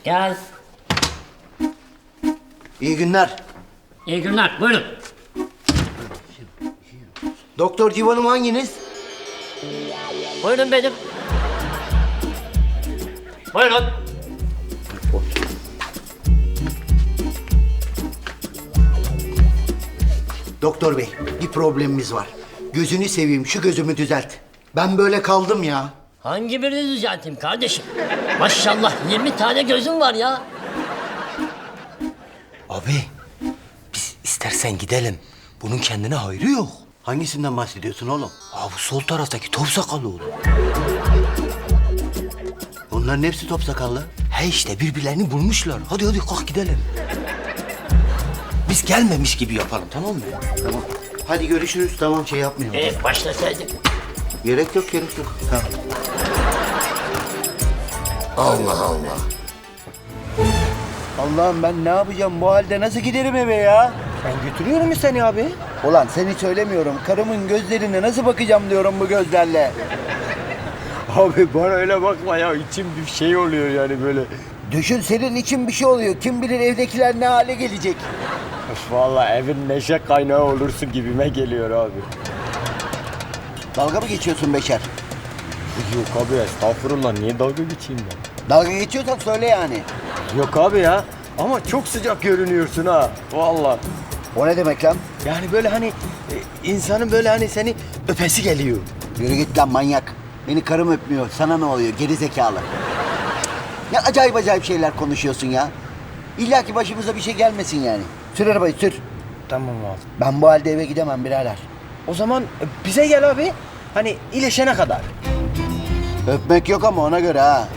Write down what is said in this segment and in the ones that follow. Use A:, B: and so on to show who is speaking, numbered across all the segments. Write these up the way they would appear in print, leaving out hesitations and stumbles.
A: Gel.
B: İyi günler.
A: İyi günler. Buyurun.
B: Doktor Civan'ım hanginiz?
A: Buyurun benim. Buyurun.
B: Doktor bey, bir problemimiz var. Gözünü seveyim, şu gözümü düzelt. Ben böyle kaldım ya.
A: Hangi birini düzelteyim kardeşim? Maşallah 20 tane gözüm var ya.
C: Abi, biz istersen gidelim. Bunun kendine hayrı yok.
B: Hangisinden bahsediyorsun oğlum?
C: Abi bu sol taraftaki top sakallı oğlum.
B: Onların hepsi top sakallı.
C: He işte birbirlerini bulmuşlar. Hadi hadi kalk gidelim. Biz gelmemiş gibi yapalım, tamam mı?
B: Tamam. Hadi görüşürüz. Tamam, şey yapmayalım.
A: Başlasaydık.
B: Gerek yok, gerek yok. Tamam.
A: Allah Allah.
B: Allah'ım ben ne yapacağım? Bu halde nasıl giderim eve ya?
C: Ben götürüyorum seni abi.
B: Ulan seni söylemiyorum. Karımın gözlerine nasıl bakacağım diyorum bu gözlerle.
C: Abi bana öyle bakma ya. İçim bir şey oluyor yani böyle.
B: Düşün, senin için bir şey oluyor. Kim bilir evdekiler ne hale gelecek.
C: Vallahi evin neşe kaynağı olursun gibime geliyor abi.
B: Dalga mı geçiyorsun Beşer?
C: Yok abi estağfurullah. Niye dalga geçeyim ben?
B: Dalga geçiyorsan söyle yani.
C: Yok abi ya. Ama çok sıcak görünüyorsun ha. Vallahi.
B: O ne demek lan?
C: Yani böyle hani insanın böyle hani seni öpesi geliyor.
B: Yürü git lan manyak. Beni karım öpmüyor. Sana ne oluyor geri zekalı? Ne acayip acayip şeyler konuşuyorsun ya. İlla ki başımıza bir şey gelmesin yani. Sür arabayı sür.
C: Tamam abi.
B: Ben bu halde eve gidemem birader.
C: O zaman bize gel abi. Hani iyileşene kadar.
B: Öpmek yok ama ona göre ha.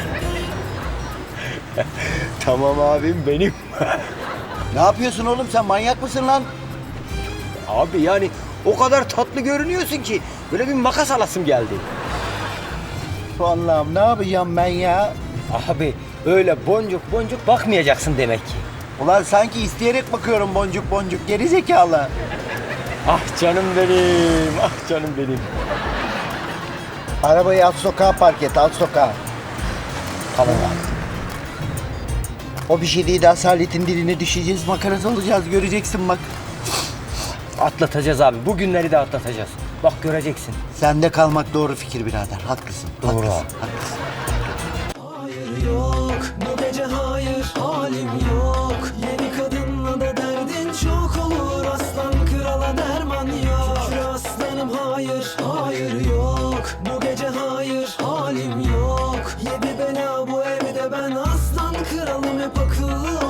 C: Tamam abim benim.
B: Ne yapıyorsun oğlum, sen manyak mısın lan?
C: Abi yani o kadar tatlı görünüyorsun ki böyle bir makas alasım geldi.
B: Allah'ım ne yapacağım ben ya?
C: Abi öyle boncuk boncuk bakmayacaksın demek ki.
B: Ulan sanki isteyerek bakıyorum boncuk boncuk geri zekalı.
C: Ah canım benim, ah canım benim.
B: Arabayı alt sokağa park et, alt sokağa.
C: Tamam abi.
B: O bir şey değil, asaletin diline düşeceğiz, makarası olacağız, göreceksin bak.
C: Atlatacağız abi, bu günleri de atlatacağız. Bak göreceksin.
B: Sende kalmak doğru fikir birader, haklısın.
C: Doğru
B: haklısın,
C: abi.
B: haklısın.
D: Hayır yok bu gece, hayır halim yok. Yeni kadınla da derdin çok olur. Aslan krala derman yok. Şükür aslanım, hayır hayır yok. Bu gece hayır halim yok. Yedi bela bu evde, ben aslan kralım, hep akıllı